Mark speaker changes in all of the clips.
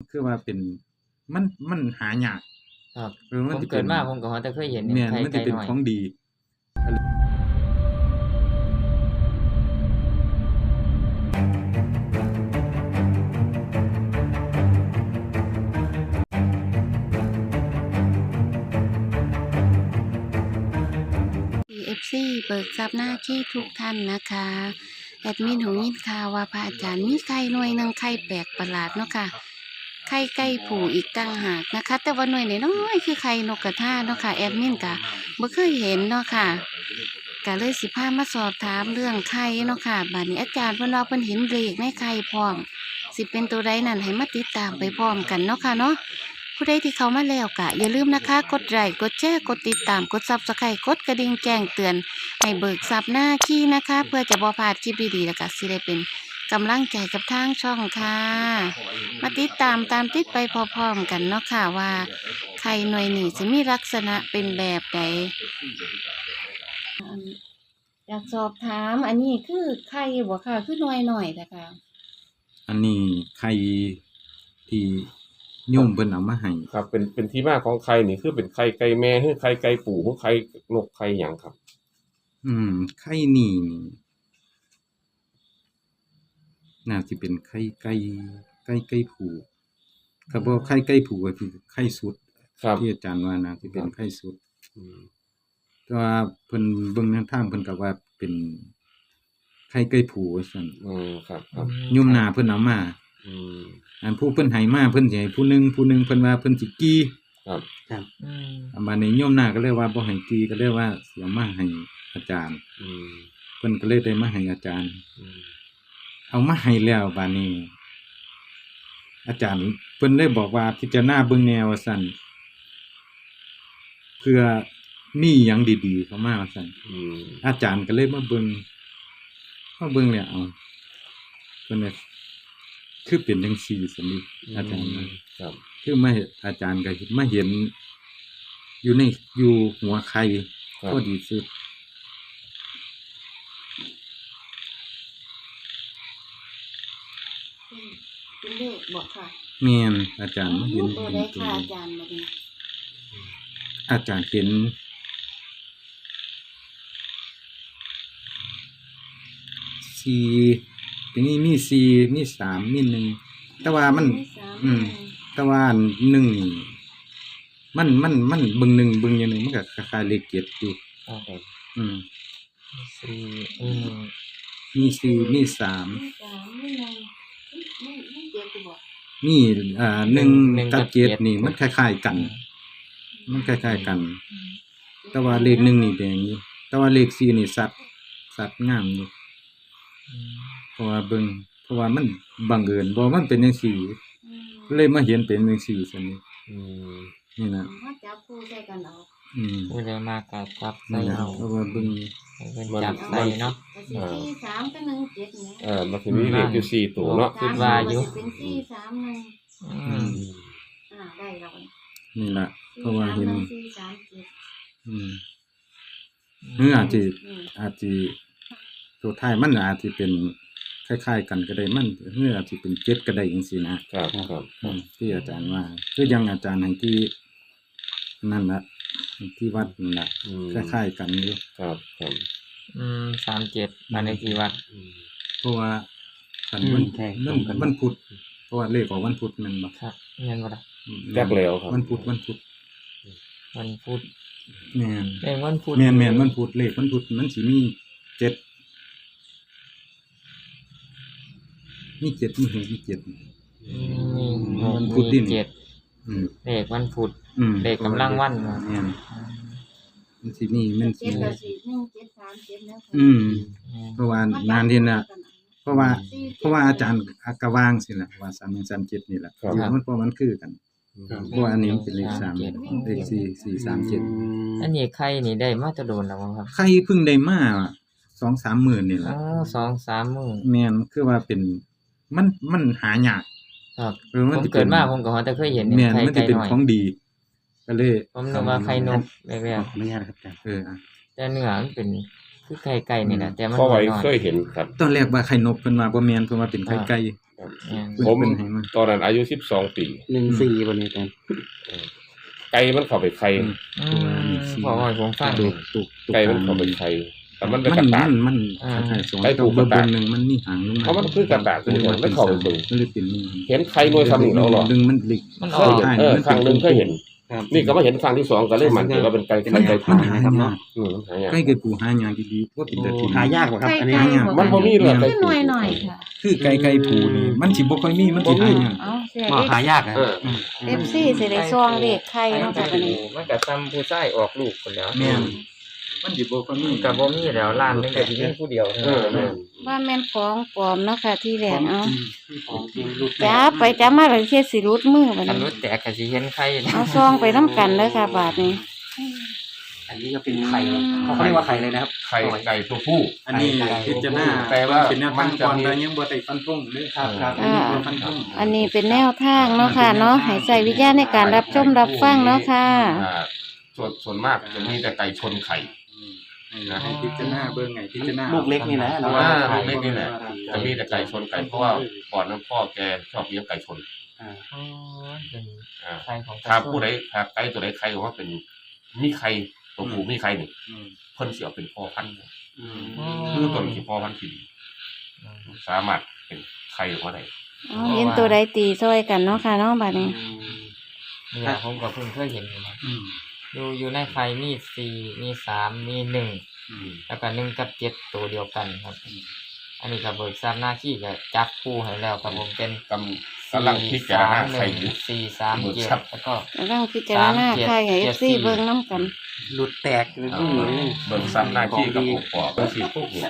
Speaker 1: คือว่าเป็นมันหายาก
Speaker 2: ครับ
Speaker 1: มั
Speaker 2: ผ
Speaker 1: น
Speaker 2: ม
Speaker 1: สิ
Speaker 2: เกิ
Speaker 1: เป็
Speaker 2: ด
Speaker 1: น
Speaker 2: มาผมก็แต่เคยเห็น
Speaker 1: แม่น
Speaker 2: ไข่
Speaker 1: มัน
Speaker 2: ไก่
Speaker 1: สิเป็น
Speaker 2: น้อย
Speaker 1: ของดี
Speaker 3: FC เบิกทรัพย์หน้าที่ทุกท่านนะคะแอดมินหูยินข่าวว่าพระอาจารย์มีไข่หน่วยหนึงไข่แปลกประหลาดเนาะค่ะไข่ไก่ผูอีกตั้งหากนะคะ แต่ว่าหน่วยน้อยๆคือไข่นกกระทาเนาะค่ะแอดมินกะบ่เคยเห็นเนาะค่ะก็เลยสิพามาสอบถามเรื่องไข่เนาะค่ะบัดนี้อาจารย์เพิ่นว่าเพิ่นเห็นเลขในไข่พร้อมสิเป็นตัวใดนั่นให้มาติดตามไปพร้อมกันเนาะค่ะเนาะผู้ใดที่เข้ามาแล้วก็อย่าลืมนะคะกดไลค์กดแชร์กดติดตามกด Subscribe กดกระดิ่งแจ้งเตือนให้เบิกทรัพย์หน้าขี้นะคะ เพื่อจะบ่พลาดคลิปดีๆแล้วก็สิได้เป็นกำลังใจกับทางช่องค่ะมาติดตามติดไปพร้อมๆกันเนาะค่ะว่าไข่หน่วยนี้จะมีลักษณะเป็นแบบใดอยากสอบถามอันนี้คือไข่บ่ค่ะคือหน่วยหน่อยนะคะ
Speaker 1: อันนี้ไข่ที่โยมเพิ่นเอามาให้
Speaker 4: ครับเป็นที่มาของไข่นี่คือเป็นไข่ไก่แม่หรือไข่ไก่ปู่หรือไข่นกไข่หยังครับ
Speaker 1: ไข่นี่น่าสิเป็นไข่ไก่ผูครับบ่ไข่ไก่ผูก็คือไข่สุด
Speaker 4: ครับ
Speaker 1: ที่อาจารย์ว่าน่าสิเป็นไข่สุด
Speaker 4: อืม
Speaker 1: แต่ว่าเพิ่นเบิ่งแนวทางเพิ่นก็ว่าเป็นไข่ไก่ผูว่าซั่น
Speaker 4: ครับครับ
Speaker 1: โยมนาเพิ่นเอามา
Speaker 4: อืม
Speaker 1: อันผู้เพิ่นให้มาเพิ่นสิให้ผู้หนึงเพิ่นว่าเพิ่นสิกี้
Speaker 4: ครับ
Speaker 2: อืม
Speaker 1: บัดนี้โยมนาก็เลยว่าบ่ให้กี้ก็เลยว่าสิเอามาให้อาจารย์
Speaker 4: อืม
Speaker 1: เพิ่นก็เลยได้มาให้อาจารย์
Speaker 4: อืม
Speaker 1: เอามาให้แล้วบัดนี้ อาจารย์เพิ่นเลยบอกว่าพิจารณาเบิ่งแนวว่าซั่นเพื่อมีหยังดีๆเข้ามาว่าซั่น
Speaker 4: อืม
Speaker 1: อาจารย์ก็เลยมาเบิ่งแล้วเอาเพิ่นว่าคือเป็นจังซี่ซั่นนี่อาจารย์ว่า
Speaker 4: ครับ
Speaker 1: คือมาอาจารย์ก็มาเห็นอยู่หัวไข่
Speaker 4: ครับ
Speaker 1: พอดีสุด
Speaker 3: เป็นเลขบอกค่ะ
Speaker 1: แม่นอาจารย์มาเห็น
Speaker 3: ตัว
Speaker 1: เป็น
Speaker 3: ใด
Speaker 1: ตัว
Speaker 3: ค่ะ
Speaker 1: เล
Speaker 3: อา
Speaker 1: ข
Speaker 3: จารย์มาดี
Speaker 1: อาจารย์เห็น4ทีนี้มี4มี3มี1แต่ว่ามัน แต่ว่า1นี่มันเบิ่ง1เบิ่งอย่างหนึงมันก็คล้ายๆเลข7อยู่
Speaker 4: ครับ
Speaker 1: อืม
Speaker 2: สี่
Speaker 1: มี4มี3
Speaker 3: มีสามมีหนึ่งไม่เจ็ดบอก
Speaker 1: มี1กับ7นี่มันคล้ายๆกัน มันคล้ายๆกัน แต่ว่าเลข1นี่แดงอยู่แต่ว่าเลข4นี่สัดงามอยู่ เพราะว่ามันบังเอิญบ่มันเป็นจังซี่เลยมาเห็นเป็นจังซี่ซั่นนี่
Speaker 4: อืม
Speaker 1: นี่นะ
Speaker 3: ว่าจับคู่ใส่กันเอา
Speaker 2: ผู้ใดมากก็จับใส่
Speaker 1: นี่นะ
Speaker 2: เอา
Speaker 1: เพราะว่าเบิ่ง
Speaker 2: ให้เพิ่นจับใส่เนาะ
Speaker 3: ก็สิสี่สามกับหนึ่งเจ็ดเนี่ย
Speaker 4: มันสิมีเลขอยู่4ตัวเนาะ
Speaker 2: คิดว่าอยู่
Speaker 3: สมก็สิเป็นสี่สามหนึ่ง
Speaker 2: อืม
Speaker 3: ได้แล้ว
Speaker 1: นี่ล่ะเพราะว่าเห็น
Speaker 3: สี่สามเจ็ด
Speaker 1: หรืออาจสิตัวท้ายมันอาจสิเป็นคล้ายๆกันก็ได้มันหรืออาจสิเป็น7ก็ได้จังซี่นะครับ
Speaker 4: ครับ
Speaker 1: ที่อาจารย์ว่าคือยังอาจารย์ให้ที่นั่นล่ะที่วัดนั่นล่ะ
Speaker 4: อืม
Speaker 1: คล้ายๆกันอยู่
Speaker 4: ครับครับ
Speaker 2: 37บ้านเลขที่วัด
Speaker 4: อืม
Speaker 1: เพราะว่าคัน
Speaker 5: ใช่ตรงกัน
Speaker 1: วันพุธเพราะว่าเลขออกวันพุธแม่นบ่
Speaker 2: ครับแม่นบ่ล่ะ
Speaker 4: จักแล้วครับ
Speaker 1: วันพุธ
Speaker 2: วันพุธ
Speaker 1: แม่น
Speaker 2: เลขวันพุธ
Speaker 1: แม่นวันพุธเลขวันพุธมันสิมี7มี7มี6มี7
Speaker 2: มีหก
Speaker 1: วันพุธดิ
Speaker 2: มีเจ็ด
Speaker 1: อืม
Speaker 2: เลขวันพุธ
Speaker 1: อืม
Speaker 2: เลขกำลังวัน
Speaker 1: แม่นมันสิมีมันสิ
Speaker 3: เจ็ดกับสี่หนึ่งเจ็ดสามเจ็ดแล้ว
Speaker 1: เพราะว่านานที่น่ะเพราะว่าอาจารย์กะวางสิล่ะว่า3137นี่ล่ะอยู่มันเพราะมันคือกัน
Speaker 5: ครับ
Speaker 1: เพราะว่าอันนี้มันเป็นเลข3เลข4
Speaker 2: อันนี้ไข่นี่ได้มาแตะโดนแล้วบ่ครับ
Speaker 1: 437ใครเพิ่งได้มา2-3 มื้อนี่
Speaker 2: อ๋
Speaker 1: ล่ะ
Speaker 2: อ2-3มื้อ
Speaker 1: แม่นคือว่าเป็นมันหายาก
Speaker 2: ครับ
Speaker 1: มั
Speaker 2: ผม
Speaker 1: สิ
Speaker 2: เกิดมาผมก็แต่เคยเห็น
Speaker 1: แม่น
Speaker 2: ไข่
Speaker 1: มันสิ
Speaker 2: ไก่
Speaker 1: เป็น
Speaker 2: น้อย
Speaker 1: ของดี ก็เลย
Speaker 2: ผมนึกว่าไข่นกแร
Speaker 5: ข
Speaker 2: ก
Speaker 5: ออนุญาตครับอาจารย์
Speaker 2: แต่เนื้อมันเป็นคือไข่ไก่นี่แหละแต่มัน
Speaker 4: พ่อไว้
Speaker 2: น้อย
Speaker 4: เคยเห็นครับ
Speaker 1: ตอนแรกว่าไข่นกเพิ่นว่าบ่แม่นเพิ่นว่าเป็นไข่ไก่เพิ่น
Speaker 4: ผม
Speaker 1: เพิ่นให้มา
Speaker 4: ตอนนั้นอายุ12 ปี
Speaker 5: 14บ่เนี่ยอาจารย์
Speaker 4: ไก่มันเข้าไปไข่
Speaker 2: พอให้ผมฟัง
Speaker 1: ตุก
Speaker 4: ไก่มันเข้าไปไข่แต่มันเป็น
Speaker 1: มั
Speaker 4: ก
Speaker 1: น
Speaker 4: ระต่าย
Speaker 1: มันคล้ายๆสอง
Speaker 4: ไก่ผูก
Speaker 1: เบอร์
Speaker 4: กระต่าย
Speaker 1: หนึงมันนี่หางลงมา
Speaker 4: เพราะมันคือกระต่ายตัวนี้มันเข้าไปเบิ่ง
Speaker 1: มันเลยเป็นนี่
Speaker 4: เห็นไข่หน่วยซ้ำนี่แล้วเหรอ
Speaker 1: ดึงมันหลิก
Speaker 2: มัน
Speaker 4: เค
Speaker 2: ออย ก
Speaker 4: เห็นครั้งหนึงเคยเห็น
Speaker 5: ครับ
Speaker 4: นี่ก็มาเห็นครั้งที่สองก็เลยมันเห็นว่าเป็นไก่
Speaker 1: มัน
Speaker 4: ไก่
Speaker 1: หา
Speaker 4: ผู
Speaker 1: ยาก
Speaker 4: มันหายาก
Speaker 1: ใกล้เกิดปูหายากดีๆว่าเป็นแต่ที่
Speaker 5: หายากกว่าครับ อันนี้
Speaker 3: ไก่
Speaker 5: หายาก
Speaker 3: บ่
Speaker 4: มันบ่มีเลยไก่
Speaker 3: ขึ้น
Speaker 4: ผู
Speaker 3: หน่อยๆค่ะ
Speaker 1: คือไก่ผูนี่มันสิบ่ค่อยมีมันสิหายาก
Speaker 3: เอาเสีย
Speaker 5: บ่หายากนะ
Speaker 4: เออ
Speaker 3: FC สิได้ซองเลขไข่เนาะค่ะบัดนี้
Speaker 2: มันก็ซ้ำผู้ชายออกลูกคนแล้ว
Speaker 1: แม่นมันสิบ่ค่อยมี
Speaker 2: ก็บ่มีแล้วร้านนึงก็สิมีผู้เดียวเท่า
Speaker 4: เออ
Speaker 2: นั้น
Speaker 3: ว่าแม่นของปลอมเนาะค่ะที่แรกเอา
Speaker 5: ของจริงรูป
Speaker 3: จ้าไปจ้ามาเลยเฮ็ดสิรุดมือบัด
Speaker 2: คัน
Speaker 3: นี้
Speaker 2: รู้แตกก็สิเห็นไข่
Speaker 3: เอาซองไปนํกันเด้อค่ะบาดนี้
Speaker 5: อันนี้ก็เป็นไข่เขาเรียกว่าไข่เลยนะครับ
Speaker 4: ไข่ไก่ตัวผู้
Speaker 1: อันนี้พิจารณา
Speaker 4: แต่ว่า
Speaker 1: เป็นแนวทางก่อน
Speaker 4: มันจะมี
Speaker 1: แต่ยังบ่ได้ฟันธงเลย
Speaker 5: ครับครับ
Speaker 3: อ่า
Speaker 1: บ่ฟันธง
Speaker 3: อันนี้เป็นแนวทางเนาะค่ะเนาะให้ใส่วิทยาณในการรับชมรับฟังเนาะค่ะ
Speaker 4: อ่าส่วนมากจะมีแต่ไก่ชนไข่
Speaker 1: ให้พิจารณาเบิ่งไงพิจารณา
Speaker 5: ลูกเล็กนี่นะ
Speaker 4: เพราะว่าลูกเล็กนี่แหละจะมีแต่ไก่ชนไก่เพราะว่าก่อนนั้นพ่อแกชอบเลี้ยงไก่ชน
Speaker 5: อ่า
Speaker 2: อ๋อเป็น
Speaker 4: อ่า
Speaker 2: ไข่ของ
Speaker 4: ถ้าผู้ใดถ้าไก่ตัวใดไข่ว่าเป็นมีไข่ตัวผู้มีไข่นี่เพิ่นสิเอาเป็นพ่อพันธุ์
Speaker 5: อืม
Speaker 4: คือตัวนี้พ่อพันธุ์ที่ดีสามารถเป็นไข่ออกมาได้
Speaker 3: เอาเห็นตัวใดตีซอยกันเนาะค่ะเนาะบัดนี้
Speaker 2: นี่แหละผมก็เพิ่งเคยเห็นอยู่นะอยู่ในไข่มี4มี3มี1แล้วก็1กับ7ตัวเดียวกันครับ อันนี้ก็เบิกทราบหน้าที่ก็จับคู่ให้แล้วครับผมเป็น
Speaker 4: กำลังพิจารณาไข่อยู่
Speaker 2: 4 3 1 4 3 7แล้วก็
Speaker 3: กำลังพิจารณาไข่ให้ FC เบิ่งนํกัน
Speaker 5: หลุดแตกเลยผู้หญิงนี่
Speaker 4: เบิ่งซ้ำหน้าที่กับองค์ประกอบเป็นสิพวกนี้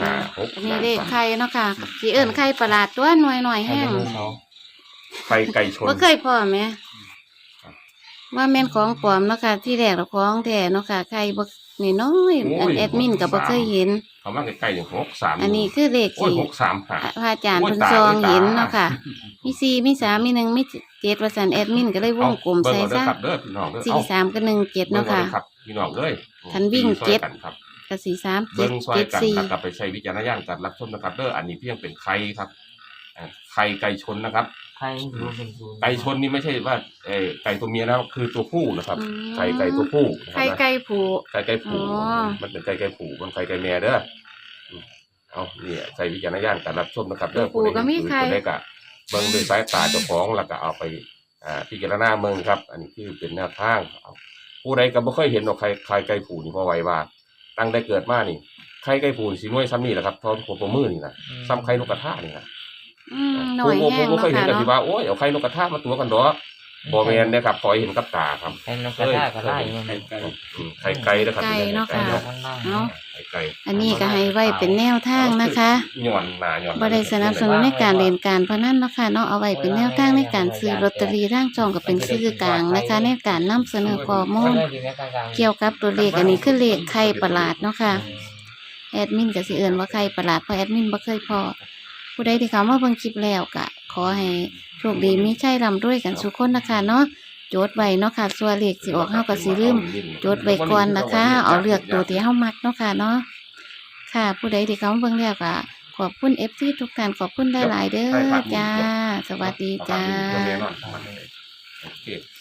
Speaker 4: 5
Speaker 3: อันนี้เลขไข่เนาะค่ะสิเอิ้นไข่ประหลาดตัวหน่อยๆ
Speaker 2: ไข่
Speaker 3: แห้ง
Speaker 2: ไดโนเสาร์
Speaker 4: 6ไข่ไก่ชน
Speaker 3: บ่เคยพอแหมว่าแม่นของปลอมเนาะค่ะที่แรกเราของแท้เนาะค่ะไข่บ่นี่น้อยอันแอดมินก็บ่เคยเห็น
Speaker 4: เขามาใกล้ๆอย่าง6 3
Speaker 3: อันนี้คือเลข
Speaker 4: โอ้ย
Speaker 3: ที่
Speaker 4: 6 3
Speaker 3: พระอาจารย์เพิ่นซองเห็นเนาะค่ะ มี4มี3มี1มี7ว่าซั่นแอดมินก็เลยวงกลมใส่ซะ
Speaker 4: เด้อพี่น้องเด้อ
Speaker 3: 4 3กับ1 7เนาะค่ะ
Speaker 4: ครับพี่น้องเอ้ย
Speaker 3: คันวิ่ง
Speaker 4: ซอยกันครับ
Speaker 3: ก็4 3
Speaker 4: เบิ่งซอยกัน
Speaker 3: 7
Speaker 4: แล้ว
Speaker 3: 7
Speaker 4: ก็ไปใช้วิจารณญาณการรับชมนะครับเด้ออันนี้เพียงเป็นไข่ครับไข่ไก่ชนนะครับ
Speaker 2: ไข่รู้เป็นศูนย์
Speaker 4: ไก่ชนนี่ไม่ใช่ว่าไก่ตัวเมียแล้วคือตัวผู้นะครับ
Speaker 3: อืม
Speaker 4: ไก่ตัวผู้นะค
Speaker 3: ไข่
Speaker 4: รับ
Speaker 3: ไก่ผู
Speaker 4: ไก่ไก่ผู
Speaker 3: อ๋อ
Speaker 4: มันเป็นไก่ไก่ผูมันไก่ไก่แม่เด้อเอานี่ใช้วิจารณญาณการรับชมนะครับเด้อ
Speaker 3: ผูก็มีไข่
Speaker 4: ผู้ใดก็เบิ่งด้วยสายตาเจ้าของแล้วก็เอาไปพิจารณาเมืองครับ อันนี้คือเป็นแนวทางครับผู้ใดก็บ่เคยเห็นหรอกไข่ไก่ผูนี่พอไว้ว่าตั้งได้เกิดมานี่ไข่ไก่ผูนี่สิน้อยซ้ำนี่แหละครับเท่าหัวตัวมือนี่นะซ้ำไข่นกกระทานี่นะ
Speaker 3: หน่อยแห้ง
Speaker 4: ผม
Speaker 3: เนาะ
Speaker 4: เคยเห็น
Speaker 3: ค่ะ
Speaker 4: กันที่
Speaker 3: เนาะ
Speaker 4: ว่าโอ้ยเอาไข่นกกระทามาตัวกันดอกบ่แม่นนะครับขอให้เห็นกับตาครับ
Speaker 2: ไข่นกกระทาก็ได้มัน
Speaker 4: ไข่ไก่นะครับ
Speaker 3: ไก่เนาะค่ะ
Speaker 2: มันนั่ง
Speaker 3: เนาะ
Speaker 4: ไข่ไก่
Speaker 3: อันนี้ก็ให้ไว้เป็นแนวทางนะคะ
Speaker 4: ย้อนหน้าย้อนหลัง
Speaker 3: บ่ได้สนับสนุนในการเล่นการพนันเนาะค่ะเนาะเอาไว้เป็นแนวทางในการซื้อลอตเตอรี่ทางช่องก็เป็นสื่อกลางนะคะในการนำเสนอข้อมูลเกี่ยวกับตัวเลขอันนี้คือเลขไข่ประหลาดเนาะค่ะแอดมินก็สิเอิ้นว่าไข่ประหลาดเพราะแอดมินบ่เคยพอผู้ใดที่เข้ามาเบิ่งคลิปแล้วก็ขอให้โชคดีมีชัยร่ำรวยกันทุกคนนะคะเนาะจดไว้เนาะค่ะส่วนเลขสิออกเฮาก็สิลืม จดไว้ก่อนนะคะ เอาเลือกตัวที่เฮามักเนาะค่ะเนาะ ค่ะ ผู้ใดที่เขามาเบิ่งแล้วก็ขอบคุณ FC ทุกท่านขอบคุณหลายๆเด้อจ้า สวัสดีจ้า
Speaker 4: เอแน่นอนโอเค